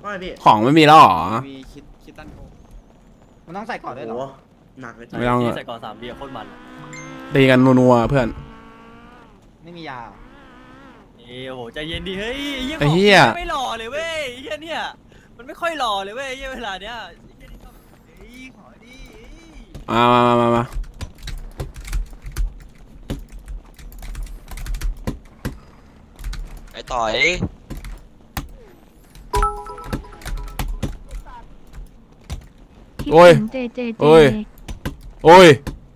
ไม่พี่ของไม่มีแล้วหรอมีคิดตั้นโกมันต้องใส่ก่อนด้วยเหรอหนักเลยไม่ต้องใส่ก่อน3 ทีโคตรมันตีกันนัวๆเพื่อนไม่มียานี่โอ้โหใจเย็นดิเฮ้ยไอ้เหี้ยไม่หล่อเลยเว้ยเหี้ยเนี่ยมันไม่ค่อยหล่อเลยเว้ยเวลาเนี้ยเฮ้ยขอดิมาไอ้ต่อยโอ้ยโอ้ยโอ้ย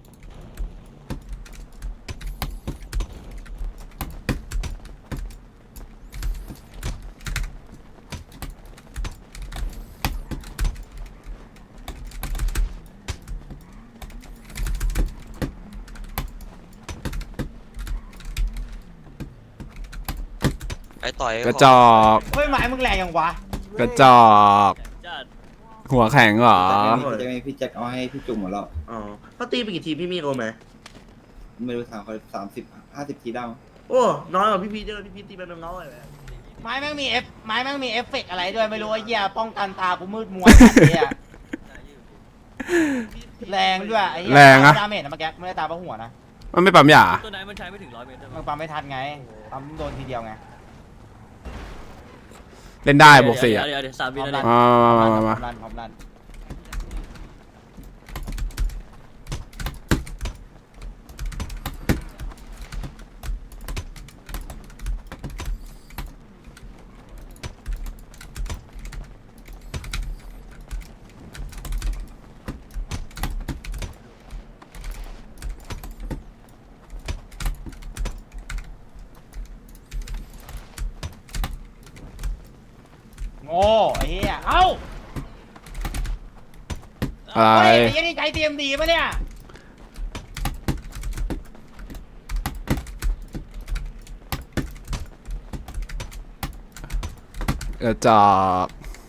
ไอ้ต่อยกระจอกเฮ้ยหมายมึงแรงยังวะกระจอกหัวแข็งเหรอจะมีพี่แจ็คเอาให้พี่จุ่มหมดแล้วอ๋อเขาตีไปกี่ทีพี่มีโกไหมไม่รู้ถามเขา30-50 ทีได้มั้งโอ้น้อยกว่าพี่เจอพี่ตีไปเป็นน้อยเลยไม้แม่งมีไม้แม่งมีเอฟเฟกต์อะไรด้วยไม่รู้ไอ้เหี้ยป้องกันตากูมืดมัวเนี่ยแรงด้วยไอ้เหี้ยแรงอะดาเมจนะเมื่อกี้ไม่ได้ตาเพราะหัวนะมันไม่ปั๊มยาตัวไหนมันใช้ไม่ถึง100 เมตรมึงปั๊มไม่ทันไงปั๊มโดนทีเดียวไงเล่นได้บวก4อ่ะเดี๋ยว3 วินาทีมาพร้อมรันโง่ไอ้เหี้ยเอ้าอะไรเฮ้ยไอ้เหี้ยนี่ใช้ TMD ปะเนี่ยกระจอก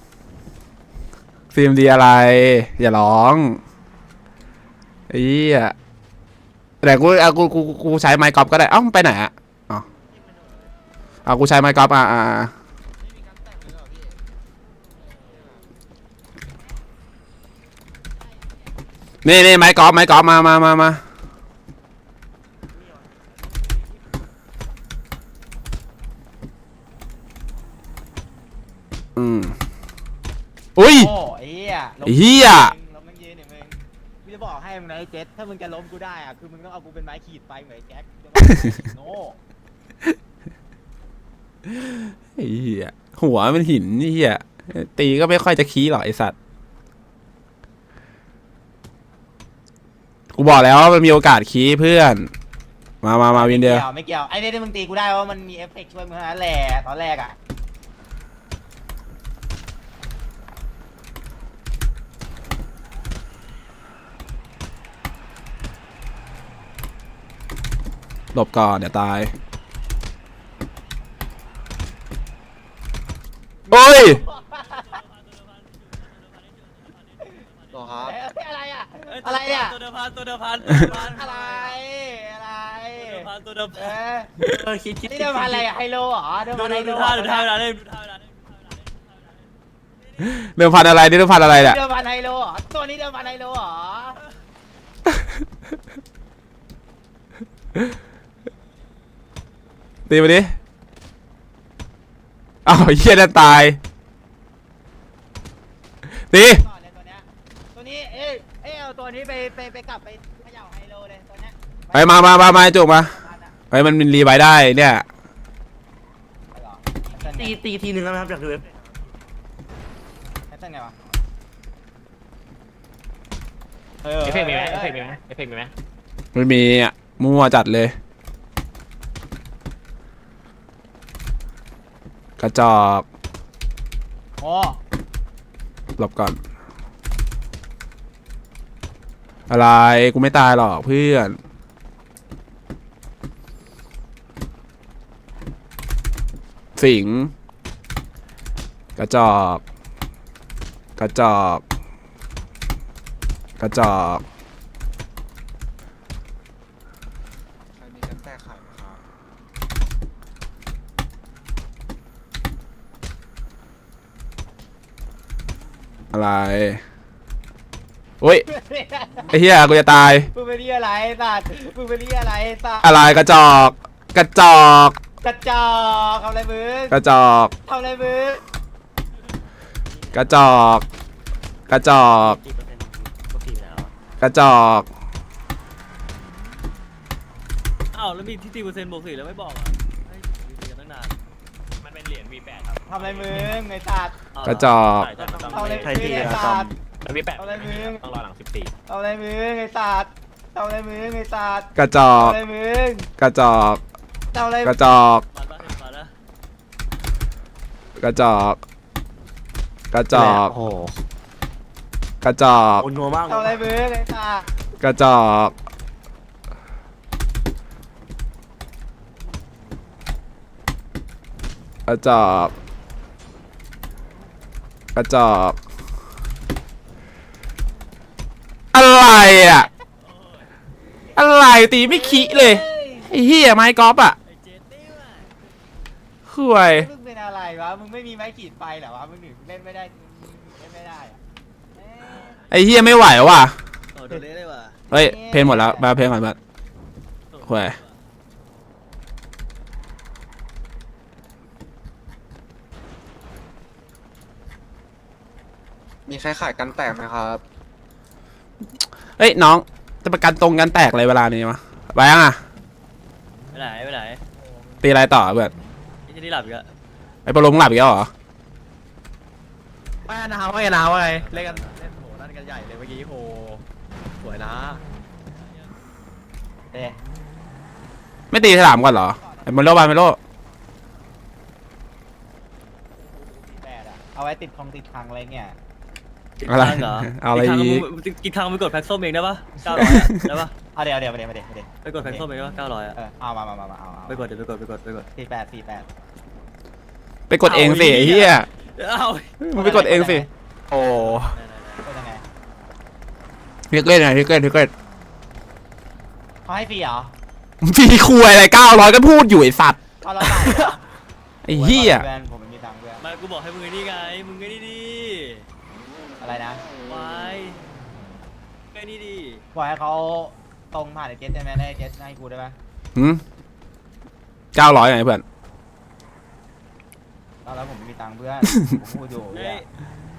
ฟิล์มดีอะไร อย่าร้องไอ้เหี้ยแต่กูใช้ไมค์กอล์ฟก็ได้เอ้าไปไหนอ่ะกูใช้ไมค์กอล์ฟนี่ไมค์กอล์ฟมาอุ้ยโง่ไอ้เหี้ยไอ้เหี้ยล้มมึงยืนมึงกูจะบอกให้มึงนะไอ้เจ็ดถ้ามึงจะล้มกูได้อะคือมึงต้องเอากูเป็นไม้ขีดไปเหมือนไอ้แจ็คโง่ไอ้เหี้ยหัวเป็นหินนี่เหี้ยตีก็ไม่ค่อยจะขี้หรอกไอสัตว์กูบอกแล้วว่ามันมีโอกาสขี้เพื่อนมาวินเดียวไม่เกี่ยวไอ้เนี่ยที่มึงตีกูได้ว่ามันมีเอฟเฟกต์ช่วยมึงนั่นแหละตอนแรกอะหลบก่อนเดี๋ยวตายโอ้ยต่อครับอะไรอะอะไรเนี่ยตัวเดิมพันอะไรอะไรตัวเดิมคิดนี่เดิมพันอะไรอะไฮโลเหรอเดิมพันไฮโลดูท่าเวลาเล่นเดิมพันอะไรนี่เดิมพันอะไรเนี่ยเดิมพันไฮโลเหรอตัวนี้เดิมพันไฮโลเหรอตีมาดิอ้าวเหี้ยนั่นตายตีก่อนเลยตัวนี้เอ้ยเอาตัวนี้ไปกลับไปเขย่าไฮโลเลยตัวเนี้ยไปมาจุกมาไปมันรีไวได้เนี่ยตีทีหนึ่งแล้วนะครับอยากดูแค่ไงวะเอฟเฟกต์มีไหมเอฟเฟกต์มีไหมเอฟเฟกต์มีไหมไม่มีอ่ะมั่วจัดเลยกระจอกโอ้หลบก่อนอะไรกูไม่ตายหรอกเพื่อนสิงกระจอกกระจอกใครมีกันแตกขายไหมครับอะไรโอ้ยไอ้เหี้ยกูจะตายมึงเป็นที่อะไรสัตว์มึงเป็นที่อะไรสัตว์อะไรกระจอกกระจอกกระจอกทำอะไรมึงกระจอกทำอะไรมึงกระจอกกระจอกกี่เปอร์เซ็นต์ปกติแล้วกระจอกอ้าวแล้วมีที่ตีเปอร์เซ็นต์บวก4แล้วไม่บอกอ่ะให้ตีกันตั้งนานมันเป็นเหรียญ V8 ครับทำอะไรมึงไอ้สัตว์อ้าวกระจอกใช่ใช่มันต้องทำอะไรใครมึตีงไอ้อะสัตว์แล้ว V8 เอาอะไรมึงต้องรอหลัง14 ทำอะไรมึงไอ้สัตว์ทำอะไรมึงไอ้สัตว์กระจอทำกอะไรมึงกระจอกทำอะไรกระจอกมาแล้วมาแล้วกระจอกกระจอกโอ้โหกระจอกโอนนัวมากทำอะไรมึงไอ้สัตว์กระจอกกระจอกกระจอกอะไรอ่ะอะไรตีไม่ขี้เลยไอ้เหี้ยไม้กอล์ฟอ่ะไอ้เจนนี่ว่ะห่วยมึงเป็นอะไรวะมึงไม่มีไม้ขีดไฟเหรอวะมึงถึงเล่นไม่ได้เล่นไม่ได้อะเอ๊ะไอ้เหี้ยไม่ไหวว่ะโอ้โดนเละเลยว่ะเฮ้ยเพลงหมดแล้วมาเพลงก่อนมาห่วยมีใครขายกันแตกไหมครับเฮ้ยน้องจะประกันตรงกันแตกเลยเวลานี้มะไปยังอ่ะไปไหนไปไหนตีอะไรต่อเพื่อนไอ้ที่นี่หลับอีกอะไอ้ปลงหลับอีกแล้วเหรอไม่นาวไม่นาวไงเล่นกันเล่นโหนั่นกันใหญ่เลยเมื่อกี้โหสวยนะเอ๊ะไม่ตีฉลามก่อนเหรอไอ้โมโลบานโมโลแปดอะเอาไว้ติดคงติดพังอะไรเงี้ยอะไรเหรอเอาอะไรกินอีกกินทางไปกดแพ็คส้มเองได้ปะ900อะได้ปะเอาเดี๋ยวไปเดี๋ยวไปกดแพ็คส้มเองได้ปะ900อะเอามาเอาไปกดเดี๋ยวไปกด 48 ไปกดเองสิไอ้เหี้ยเอ้ามึงไปกดเองสิโอ้เป็นยังไงทิกเล่นไงทิกเล่นเขาให้ฟรีเหรอทีคุยอะไร900ก็พูดอยู่ไอ้สัตว์เอาเราจ่ายเหรอไอ้เหี้ยเพื่อนผมไม่มีตังค์เพื่อนมากูบอกให้มึงไอ้นี่ไงมึงไอ้นี่ดีอะไรนะวายไอ้นี่ดีบอกให้เขาตรงผ่านไอ้เจสได้ไหมได้เจสให้กูได้ไหมหืม900ไงเพื่อนแล้วผมไม่มีตังค์เพื่อนผมพูดอยู่เฮ้เนี่ยย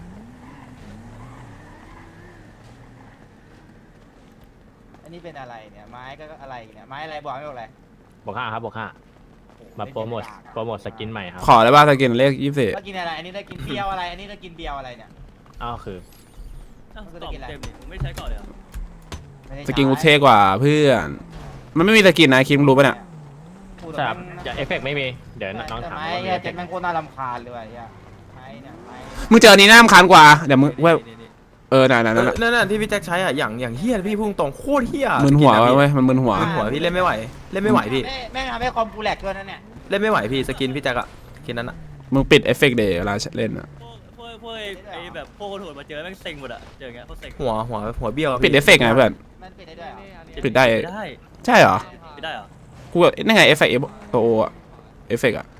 อันนี้เป็นอะไรเนี่ยไม้ก็อะไรเนี่ยไม้อะไรบอกไม่บอกอะไรบวก5ครับบวก5มาโปรโมทสกินใหม่ครับขอได้ป่ะสกินเลข24 แล้วกินอะไรอันนี้ได้กินเบียวอะไรอันนี้ได้กินเบียวอะไรเนี่ยอ้าวคือเอ้าตอบเต็มดิมึงไม่ใช้ก่อนเลยเหรอไม่ได้สกินกูเท่กว่าเพื่อนมันไม่มีสกินนะคิมรู้ป่ะเนี่ยพูดใช่ครับแม่งอย่าเอฟเฟกต์ไม่มีเดี๋ยวน้องถามไม้ว่ามีเนี่ยเอฟเจเฟสกต์แม่งโคตรน่ารำคาญเลยว่ะเนี่ยไม้เนี่ยไม้มึงเจออันนี้น่ารำคาญกว่าเดี๋ยวมึงเว้ยนี่เออนั่นนั่นที่พี่แจ็คใช้อ่ะอย่างเฮี้ยพี่พุ่งตรงโคตรเฮี้ยมึนหัวสกิะพี่เว้ยมันมึนหัวมึนหัวพี่เล่นไม่ไหวพี่แม่งทำให้คอมกูแหลกด้วยนะเนี่ยเล่นไม่ไหวพี่สกินพี่แจ็คอะสกินนั้นอะมึงปิดเอฟเฟกต์เดย์เวลาเล่นอะพวกไอ้แบบพวกคนโหดมาเจอแม่งเซ็งหมดอะเจออย่างเงี้ยเขาเซ็งหัวเบี้ยวะพี่ปิดเอฟเฟกต์ไงเพื่อนมันปิดได้ด้วยเหรอปิดได้ได้ใช่เหรอไม่ได้เหรอกูแบบนั่นไงเอฟเฟกต์ตัวโออะเอฟเฟกต์อะ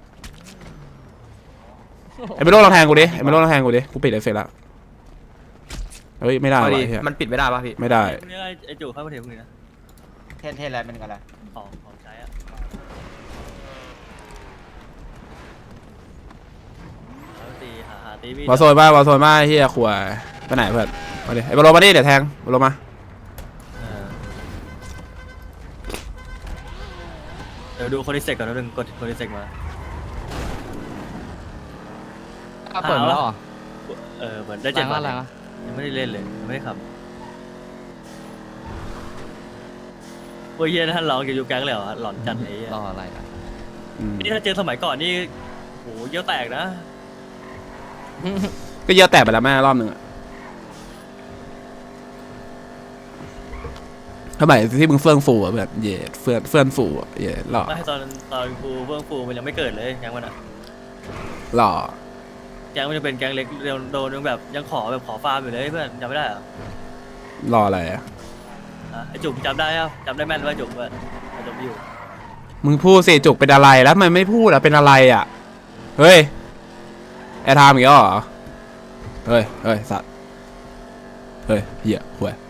ไอ้ไม่โลลองแทงกูดิไอ้ไม่โลลองแทงกูดิกูปิดเอฟเฟกต์แล้วเฮ้ยไม่ได้เอาว่ะดิไอ้เหี้ยมันปิดไม่ได้ป่ะพี่ไม่ได้พวกนี้ไอ้จู่เข้ามาเทพวกนี้นะเทนอะไรเป็นกันอะไรของใช้อะตีหาตีมีวอลโซนมาเฮียขวายไปไหนเพื่อนมาดิไอ้บอลมาดิเดี๋ยวแทงบอลมาเดี๋ยวดูคนที่เซ็กก่อนนะนึงกดคนที่เซ็กมาเปิดแล้วเหรอเหมือนได้7 วันยังไม่ได้เล่นเลยยังไม่ได้ขับโอ้ยเฮียท่านร้องอยู่แก๊งเลยเหรอหลอนจัดไอ้เหี้ยรออะไรอ่ะนี่ถ้าเจอสมัยก่อนนี่โหเยี่ยวแตกนะก็เยอะแตกไปแล้วแม่รอบหนึ่งอะทำไมที่มึงเฟื่องฟูอะแบบเย่เฟื่องฟูอะเย่หล่อไม่ตอนฟูเบื้องฟูมันยังไม่เกิดเลยแก๊งมันอะหล่อแก๊งมันจะเป็นแก๊งเล็กโดนยังแบบยังขอฟาร์มอยู่เลยเพื่อนจำไม่ได้เหรอหล่ออะไรอะไอจุกจำได้ครับจำได้แม่นว่าจุกเพื่อนจุกอยู่มึงพูดสิจุกเป็นอะไรแล้วมันไม่พูดอะเป็นอะไรอะเฮ้ยแอร์ไทม์อีกแล้วเหรอเฮ้ยเฮ้ยสัตว์เฮ้ยเหี้ยห่วย